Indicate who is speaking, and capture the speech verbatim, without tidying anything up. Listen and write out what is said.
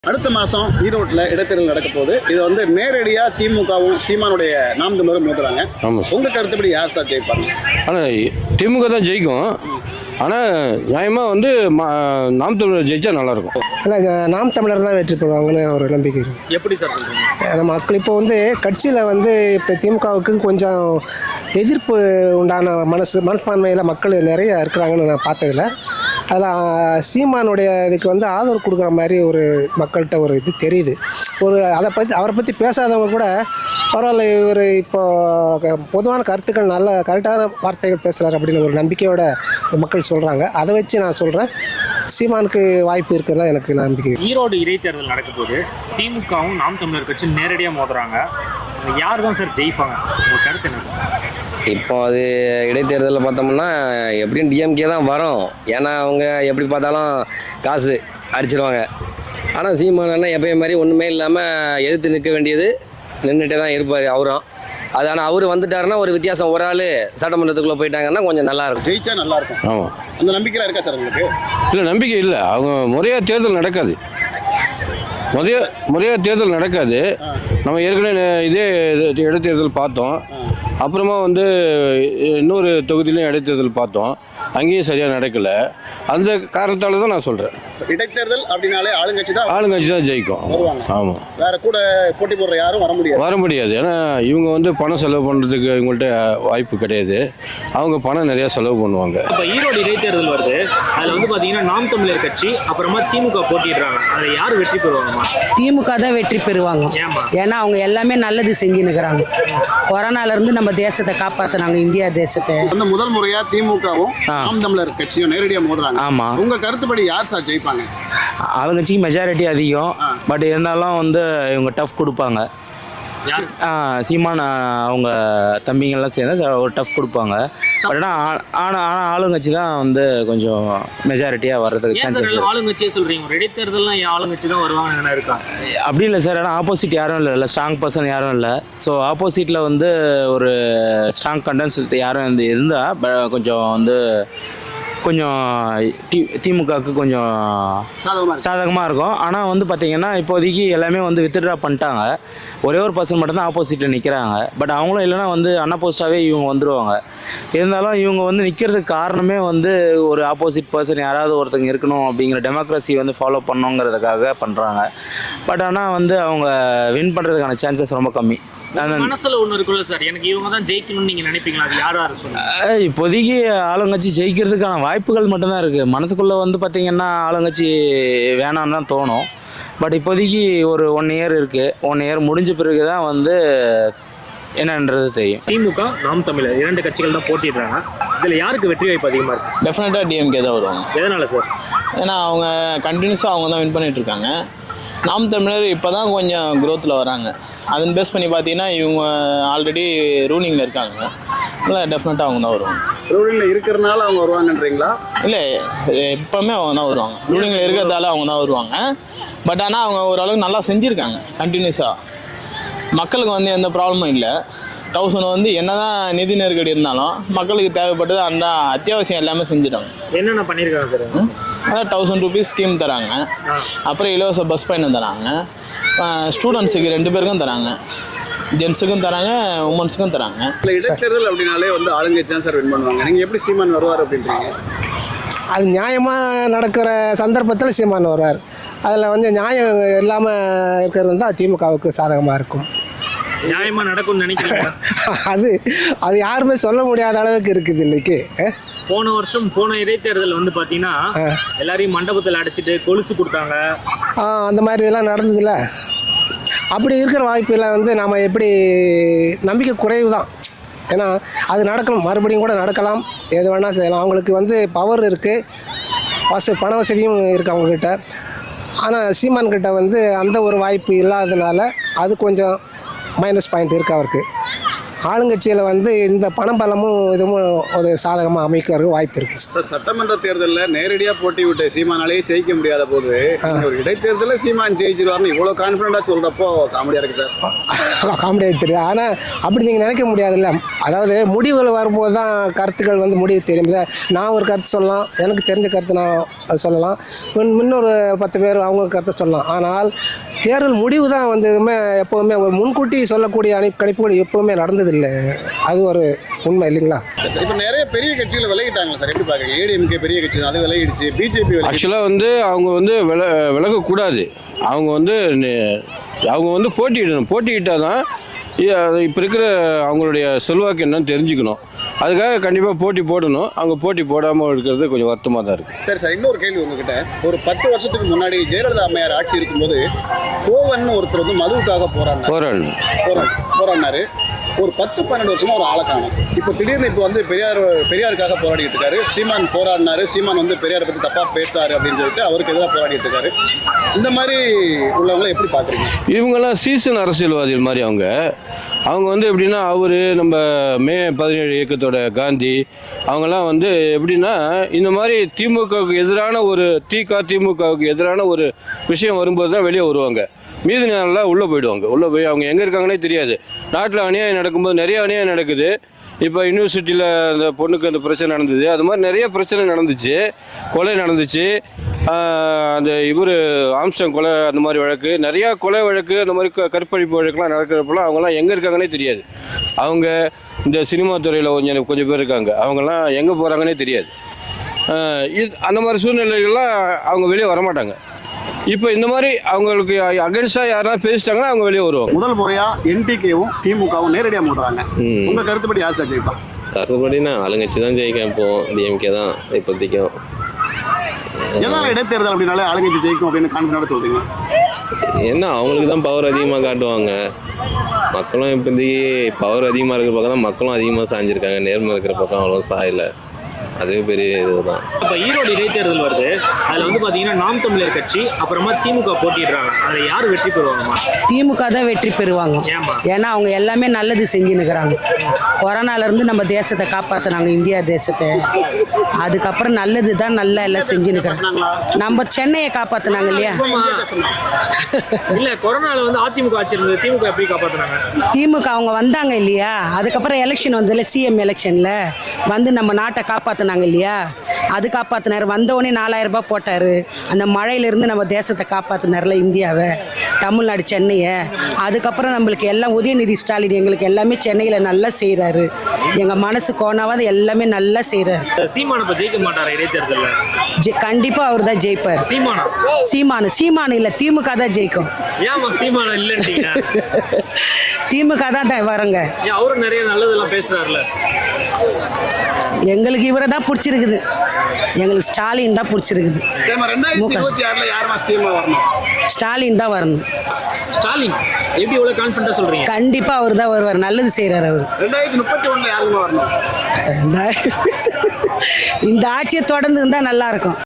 Speaker 1: அடுத்த மாதம் ஈரோட்டில் இடைத்தேர்தல் நடக்க போகுது. இது வந்து நேரடியாக திமுகவும் சீமானுடைய நாம் தமிழரும் மோதுறாங்க. உங்கள் கருத்துப்படி யார் சார் ஜெயிப்பாங்க?
Speaker 2: ஆனால் திமுக தான் ஜெயிக்கும். ஆனால் நியாயமாக வந்து நாம் தமிழர் ஜெயிச்சா நல்லாயிருக்கும்.
Speaker 3: இல்லை, நாம் தமிழர் தான் வெற்றி பெறுவாங்கன்னு ஒரு நம்பிக்கை இருக்குது.
Speaker 1: எப்படி சார் சொல்கிறீங்க?
Speaker 3: நம்ம மக்கள் இப்போ வந்து கட்சியில் வந்து இப்போ திமுகவுக்கு கொஞ்சம் எதிர்ப்பு உண்டான மனசு மனப்பான்மையில் மக்கள் நிறைய இருக்கிறாங்கன்னு நான் பார்த்ததில்ல. அதில் சீமானுடைய இதுக்கு வந்து ஆதரவு கொடுக்குற மாதிரி ஒரு மக்கள்கிட்ட ஒரு இது தெரியுது. ஒரு அதை பற்றி அவரை பற்றி பேசாதவங்க கூட பரவாயில்ல, இவர் இப்போ பொதுவான கருத்துக்கள் நல்ல கரெக்டான வார்த்தைகள் பேசுகிறார் அப்படின்னு ஒரு நம்பிக்கையோட மக்கள் சொல்கிறாங்க. அதை வச்சு நான் சொல்கிறேன், சீமானுக்கு வாய்ப்பு இருக்கிறதா எனக்கு நம்பிக்கை.
Speaker 4: ஈரோடு இடைத்தேர்தல் நடக்க போது திமுகவும் நாம் தமிழர் கட்சி நேரடியாக மோதுறாங்க. யார் தான் சார் ஜெயிப்பாங்க? உங்கள் கருத்து என்ன சார்?
Speaker 5: இப்போ அது இடைத்தேர்தலில் பார்த்தோம்னா எப்படியும் டிஎம்கே தான் வரும். ஏன்னா அவங்க எப்படி பார்த்தாலும் காசு அடிச்சிருவாங்க. ஆனால் சீமானா எப்பயும் மாதிரி ஒன்றுமே இல்லாமல் எதிர்த்து நிற்க வேண்டியது நின்றுட்டே தான் இருப்பார் அவரும். அது ஆனால் அவர் வந்துட்டாருன்னா ஒரு வித்தியாசம், ஒரு ஆள் சட்டமன்றத்துக்குள்ளே போயிட்டாங்கன்னா கொஞ்சம் நல்லாயிருக்கும்,
Speaker 1: ஜெயிச்சா நல்லாயிருக்கும்.
Speaker 2: ஆமாம்,
Speaker 1: அந்த நம்பிக்கையில் இருக்கா சார் உங்களுக்கு?
Speaker 2: இல்லை, நம்பிக்கை இல்லை. அவங்க முறையாக தேர்தல் நடக்காது. முறைய முறையாக தேர்தல் நடக்காது. நம்ம ஏற்கனவே இதே இடைத்தேர்தல் பார்த்தோம். அப்புறமா வந்து இன்னொரு தொகுதியிலையும் இடைத்தேர்தல் பார்த்தோம். அங்கேயும் சரியாக நடக்கலை. அந்த காரணத்தால் தான் நான் சொல்கிறேன்,
Speaker 1: இடைத்தேர்தல் அப்படின்னாலே ஆளுங்கட்சி தான்
Speaker 2: ஆளுங்கட்சி தான் ஜெயிக்கும். ஆமாம்,
Speaker 1: வேற கூட போட்டி போடுற யாரும் வர முடியாது
Speaker 2: வர முடியாது. ஏன்னா இவங்க வந்து பணம் செலவு பண்ணுறதுக்கு இவங்கள்ட்ட வாய்ப்பு கிடையாது. அவங்க பணம் நிறையா செலவு பண்ணுவாங்க.
Speaker 4: இப்போ ஈரோடு இடைத்தேர்தல் வருது. அதில் வந்து பார்த்தீங்கன்னா நாம் தமிழர் கட்சி அப்புறமா திமுக போட்டிடுறாங்க. அதில் யார் வெற்றி பெறுவாங்கம்மா?
Speaker 6: திமுக தான் வெற்றி பெறுவாங்க. ஏன்னா அவங்க எல்லாமே நல்லது செஞ்சுன்னுக்குறாங்க. கொரோனாலேருந்து நம்ம தேசத்தை காப்பாற்றினாங்க, இந்தியா தேசத்தை.
Speaker 1: அந்த முதல் முறையாக திமுகவும் நாம் தமிழர் கட்சியும் நேரடியாக மோதுறாங்க.
Speaker 7: ஆமாம்,
Speaker 1: உங்கள் கருத்துப்படி யார் சார் ஜெயிப்பாங்க?
Speaker 7: அவங்க கட்சிக்கு மெஜாரிட்டி அதிகம். பட் இருந்தாலும் வந்து இவங்க டஃப் கொடுப்பாங்க. சீமான் அவங்க தம்பிங்கெல்லாம் சேர்ந்து ஒரு டஃப் கொடுப்பாங்க. பட் ஆனால் ஆனால் ஆனால் ஆளுங்கட்சி தான் வந்து கொஞ்சம் மெஜாரிட்டியாக வர்றதுக்கு சான்சஸ்.
Speaker 4: ஆளுங்கட்சியே சொல்கிறீங்க, ஒரு இடைத்தேர்தல்லாம் ஆளுங்கட்சி தான் வருவாங்க இருக்கா?
Speaker 7: அப்படி இல்லை சார். ஆனால் ஆப்போசிட் யாரும் இல்லை இல்லை ஸ்ட்ராங் பர்சன் யாரும் இல்லை. ஸோ ஆப்போசிட்டில் வந்து ஒரு ஸ்ட்ராங் கண்டென்ட் யாரும் வந்து இருந்தால் கொஞ்சம் வந்து கொஞ்சம் டி திமுகவுக்கு கொஞ்சம் சாதகமாக இருக்கும். ஆனால் வந்து பார்த்திங்கன்னா இப்போதைக்கு எல்லாமே வந்து வித்ட்ரா பண்ணிட்டாங்க. ஒரே ஒரு பர்சன் மட்டும்தான் ஆப்போசிட்டில் நிற்கிறாங்க. பட் அவங்களும் இல்லைனா வந்து அன்அப்போஸ்டாகவே இவங்க வந்துடுவாங்க. இருந்தாலும் இவங்க வந்து நிற்கிறதுக்கு காரணமே வந்து ஒரு ஆப்போசிட் பர்சன் யாராவது ஒருத்தங்க இருக்கணும் அப்படிங்கிற டெமோக்ரஸி வந்து ஃபாலோ பண்ணணுங்கிறதுக்காக பண்ணுறாங்க. பட் ஆனால் வந்து அவங்க வின் பண்ணுறதுக்கான சான்சஸ் ரொம்ப கம்மி.
Speaker 4: மனசுல ஒன்று இருக்குல்ல சார், எனக்கு இவங்க தான் ஜெயிக்கணும்னு நீங்கள் நினைப்பீங்களா? அது யார் யார் சொல்லுங்க?
Speaker 7: இப்போதைக்கு ஆளுங்கட்சி ஜெயிக்கிறதுக்கான வாய்ப்புகள் மட்டும்தான் இருக்குது. மனசுக்குள்ளே வந்து பார்த்திங்கன்னா ஆளுங்கட்சி வேணான்னு தான் தோணும். பட் இப்போதைக்கு ஒரு ஒன் இயர் இருக்குது. ஒன் இயர் முடிஞ்ச பிறகு தான் வந்து என்னன்றது தெரியும்.
Speaker 4: திமுக நாம் தமிழர் இரண்டு கட்சிகள் தான் போட்டிடுறாங்க. இதில் யாருக்கு வெற்றி வாய்ப்பு அதிகமாக இருக்குது?
Speaker 8: டெஃபினட்டாக டிஎம்கே தான் வருவாங்க.
Speaker 4: எதனால் சார்?
Speaker 8: ஏன்னா அவங்க கண்டினியூஸாக அவங்க தான் வின் பண்ணிகிட்ருக்காங்க. நாம் தமிழர் இப்போ தான் கொஞ்சம் க்ரோத்தில் வராங்க. அதன் பேஸ் பண்ணி பார்த்தீங்கன்னா இவங்க ஆல்ரெடி ரூலிங்கில் இருக்காங்க. இல்லை, டெஃபினட்டாக அவங்க தான் வருவாங்க.
Speaker 1: ரூலிங்கில் இருக்கிறனால அவங்க வருவாங்கன்றீங்களா?
Speaker 8: இல்லை, எப்போவுமே அவங்க தான் வருவாங்க. ரூலிங்கில் இருக்கிறதால அவங்க தான் வருவாங்க. பட் ஆனால் அவங்க ஓரளவுக்கு நல்லா செஞ்சுருக்காங்க கண்டினியூஸாக. மக்களுக்கு வந்து எந்த ப்ராப்ளமும் இல்லை. தௌசண்ட் வந்து என்ன தான் நிதி நெருக்கடி இருந்தாலும் மக்களுக்கு தேவைப்பட்டது அந்த அத்தியாவசியம் எல்லாமே செஞ்சுட்டாங்க.
Speaker 4: என்னென்ன பண்ணியிருக்காங்க சார்?
Speaker 8: அதான் தௌசண்ட் ருபீஸ் ஸ்கீம் தராங்க. அப்புறம் இலவச பஸ் பயணம் தராங்க. ஸ்டூடெண்ட்ஸுக்கு ரெண்டு பேருக்கும் தராங்க, ஜென்ஸுக்கும் தராங்க, உமன்ஸுக்கும் தராங்க.
Speaker 1: இல்லை, இடைத்தேர்தல் அப்படின்னாலே வந்து ஆளுங்கட்சி தான் சார் வின் பண்ணுவாங்க. நீங்கள் எப்படி சீமான் வருவார் அப்படின்றீங்க?
Speaker 3: அது நியாயமாக நடக்கிற சந்தர்ப்பத்தில் சீமான் வருவார். அதில் வந்து நியாயம் இல்லாமல் இருக்கிறது தான் திமுகவுக்கு சாதகமாக இருக்கும்.
Speaker 4: நியாயமாக நடக்கும்னு நினைக்கிறீங்க?
Speaker 3: அது அது யாருமே சொல்ல முடியாத அளவுக்கு இருக்குது இன்னைக்கு.
Speaker 4: போன வருஷம் போன இடைத்தேர்தல் வந்து பார்த்தீங்கன்னா எல்லாரையும் மண்டபத்தில் அடைச்சிட்டு கொலுசு கொடுத்தாங்க.
Speaker 3: அந்த மாதிரி இதெல்லாம் நடந்ததில்ல. அப்படி இருக்கிற வாய்ப்பில் வந்து நம்ம எப்படி நம்பிக்கை குறைவு தான். ஏன்னா அது நடக்கணும், மறுபடியும் கூட நடக்கலாம், எது வேணால் செய்யலாம். அவங்களுக்கு வந்து பவர் இருக்குது, வச பண வசதியும் இருக்குது அவங்கக்கிட்ட. ஆனால் சீமான்கிட்ட வந்து அந்த ஒரு வாய்ப்பு இல்லாததுனால அது கொஞ்சம் மைனஸ் பாயிண்ட் இருக்குது அவருக்கு. ஆளுங்கட்சியில் வந்து இந்த பணம் பலமும் இதுவும் ஒரு சாதகமாக அமைக்கிறதுக்கு வாய்ப்பு இருக்குது சார்.
Speaker 1: சார் சட்டமன்ற தேர்தலில் நேரடியாக போட்டி விட்டு சீமானாலேயே ஜெயிக்க முடியாத போது ஒரு இடைத்தேர்தலில் சீமான் ஜெயிச்சிருவார்னு இவ்வளோ கான்ஃபிடண்டாக சொல்கிறப்போ காமெடியாக இருக்குது சார்.
Speaker 3: காமெடியாக தெரியுது. ஆனால் அப்படி நீங்கள் நினைக்க முடியாதுல்ல. அதாவது முடிவுகள் வரும்போது தான் கருத்துக்கள் வந்து முடிவு தெரியும். நான் ஒரு கருத்து சொல்லலாம், எனக்கு தெரிஞ்ச கருத்து நான் சொல்லலாம், இன்னொரு பத்து பேர் அவங்க கருத்தை சொல்லலாம். ஆனால் தேர்தல் முடிவு தான் வந்து எப்போவுமே ஒரு முன்கூட்டி சொல்லக்கூடிய அணி கணிப்புகள் எப்போவுமே நடந்ததில்லை. அது ஒரு உண்மை இல்லைங்களா?
Speaker 1: இப்போ நிறைய பெரிய கட்சிகள் விலகிட்டாங்க சார், எப்படி பார்க்குறீங்க? ஏடிஎம்கே பெரிய கட்சி தான், அது விலகிடுச்சு. பிஜேபி
Speaker 2: ஆக்சுவலாக வந்து அவங்க வந்து வில விலகக்கூடாது. அவங்க வந்து அவங்க வந்து போட்டியிடணும். போட்டியிட்டால் தான் இப்போ இருக்கிற அவங்களுடைய செல்வாக்கு என்னன்னு தெரிஞ்சுக்கணும். அதுக்காக கண்டிப்பாக போட்டி போடணும். அவங்க போட்டி போடாமல் இருக்கிறது கொஞ்சம் வருத்தமாக தான் இருக்குது.
Speaker 1: சரி சார், இன்னொரு கேள்வி உங்ககிட்ட. ஒரு பத்து வருஷத்துக்கு முன்னாடி ஜெயலலிதா அம்மையார் ஆட்சி இருக்கும்போது கோவன் ஒருத்தர் வந்து மதுவுக்காக போராடினார்
Speaker 2: போராடணும்
Speaker 1: போராடு போராடினாரு. ஒரு பத்து பன்னெண்டு வருஷமா ஒரு ஆளை காணும். இப்போ திடீர்னு இப்போ வந்து பெரியார் பெரியாருக்காக போராடிட்டு இருக்காரு. சீமான் போராடினாரு, சீமான் வந்து பெரியாரை பற்றி தப்பாக பேசுறாரு அப்படின்னு சொல்லிட்டு அவருக்கு எதிராக போராடிட்டு இருக்காரு. இந்த மாதிரி உள்ளவங்களை எப்படி பார்க்குறீங்க?
Speaker 2: இவங்கெல்லாம் சீசன் அரசியல்வாதிகள் மாதிரி. அவங்க அவங்க வந்து எப்படின்னா, அவர் நம்ம மே பதினேழு இயக்கத்தோட காந்தி அவங்கெல்லாம் வந்து எப்படின்னா, இந்த மாதிரி திமுகவுக்கு எதிரான ஒரு திக திமுகவுக்கு எதிரான ஒரு விஷயம் வரும்போது தான் வெளியே வருவாங்க. மீதி நேரம்லாம் உள்ளே போயிடுவாங்க. உள்ளே போய் அவங்க எங்கே இருக்காங்கன்னே தெரியாது. நாட்டில் அநியாயம் நடக்கும்போது நிறைய அநியாயம் நடக்குது. இப்போ யூனிவர்சிட்டியில் அந்த பொண்ணுக்கு அந்த பிரச்சனை நடந்தது. அது மாதிரி நிறைய பிரச்சனை நடந்துச்சு. கொலை நடந்துச்சு. அந்த இவர் ஆம்ஸ்டாங் கொலை, அந்த மாதிரி வழக்கு, நிறையா கொலை வழக்கு, அந்த மாதிரி க கற்பழிப்பு வழக்குலாம் நடக்கிறப்பெல்லாம் அவங்கெல்லாம் எங்கே இருக்காங்கன்னே தெரியாது. அவங்க இந்த சினிமா துறையில் கொஞ்சம் கொஞ்சம் பேர் இருக்காங்க. அவங்கெல்லாம் எங்கே போகிறாங்கன்னே தெரியாது. இது அந்த மாதிரி சூழ்நிலைகள்லாம் அவங்க வெளியே வரமாட்டாங்க. இப்போ இந்த மாதிரி அவங்களுக்கு அகென்ஸ்டாக யாராவது பேசிட்டாங்கன்னா அவங்க வெளியே வருவாங்க.
Speaker 1: முதல் முறையாக என்டிகேவும் திமுகவும் நேரடியாக மோதுறாங்க. உங்கள் கருத்துப்படி யார் சார் ஜெயிப்பா?
Speaker 9: கருத்துப்படினா ஆளுங்கட்சி தான் ஜெயிக்கும். இப்போ டிஎம்கே தான் இப்போதைக்கும்.
Speaker 1: எதனால் இடைத்தேர்தல் அப்படின்னாலே ஆளுங்கட்சி ஜெயிக்கும் அப்படின்னு கான்ஃபிடண்டாக சொல்கிறீங்க?
Speaker 9: என்ன, அவங்களுக்கு தான் பவர் அதிகமாக காட்டுவாங்க. மக்களும் இப்போதைக்கு பவர் அதிகமாக இருக்கிற பக்கம் தான் மக்களும் அதிகமாக சாஞ்சிருக்காங்க. நேர்மை இருக்கிற பக்கம் அவ்வளோ சாயலை. அதுவே பெரிய இதுதான்.
Speaker 4: இப்போ ஈரோடு இடைத்தேர்தல் வருது. அதில் வந்து பார்த்தீங்கன்னா நாம் தமிழர் கட்சி அப்புறமா திமுக போட்டிடுறாங்க. அதில் யார் வெற்றி பெறுவாங்கம்மா?
Speaker 6: திமுக தான் வெற்றி பெறுவாங்க. ஏன்னா அவங்க எல்லாமே நல்லது செஞ்சுன்னுக்குறாங்க. கொரோனாலேருந்து நம்ம தேசத்தை காப்பாற்றினாங்க, இந்தியா தேசத்தை. அதுக்கப்புறம் நல்லது தான் நல்லா எல்லாம் செஞ்சுன்னுக்குறாங்க. நம்ம சென்னையை காப்பாற்றினாங்க இல்லையா?
Speaker 4: இல்லை, கொரோனாவில் வந்து அதிமுக ஆட்சி இருந்தது, திமுக எப்படி காப்பாற்றினாங்க?
Speaker 6: திமுக அவங்க வந்தாங்க இல்லையா? அதுக்கப்புறம் எலெக்ஷன் வந்ததில்ல, சிஎம் எலெக்ஷனில் வந்து நம்ம நாட்டை காப்பாற்றினாங்க இல்லையா? அது காப்பாற்றினார். வந்தவொடனே நாலாயிரம் ரூபாய் போட்டார். அந்த மழையிலேருந்து நம்ம தேசத்தை காப்பாற்றினார்ல, இந்தியாவை, தமிழ்நாடு, சென்னையை. அதுக்கப்புறம் நம்மளுக்கு எல்லாம் உதயநிதி ஸ்டாலின் எங்களுக்கு எல்லாமே சென்னையில் நல்லா செய்கிறாரு. எங்கள் மனசு கோணாவது எல்லாமே நல்லா செய்கிறாரு.
Speaker 4: சீமான் இப்போ ஜெயிக்க மாட்டார் இடைத்தேர்தலில்?
Speaker 6: ஜெ கண்டிப்பாக அவர் தான் ஜெயிப்பார்.
Speaker 4: சீமானா?
Speaker 6: சீமானு சீமானு இல்லை, திமுக தான் ஜெயிக்கும்.
Speaker 4: ஏமா சீமானா இல்லைன்றீங்க?
Speaker 6: திமுக தான் தான் வரங்க.
Speaker 4: அவரும் நிறைய நல்லதெல்லாம் பேசுகிறாருல.
Speaker 6: எங்களுக்கு இவரை தான் பிடிச்சிருக்குது. எங்களுக்கு ஸ்டாலின் தான் பிடிச்சிருக்குது. ஸ்டாலின் தான் வரணும்.
Speaker 4: ஸ்டாலின் எப்படி இவ்வளோ கான்ஃபிடண்டாக சொல்கிறீங்க?
Speaker 6: கண்டிப்பாக அவர் தான் வருவார். நல்லது செய்கிறார் அவர்.
Speaker 1: ரெண்டாயிரத்தி முப்பத்தி ஒன்றில் யாருங்க வரணும்?
Speaker 6: இந்த ஆட்சியை தொடர்ந்து இருந்தால் நல்லாயிருக்கும்.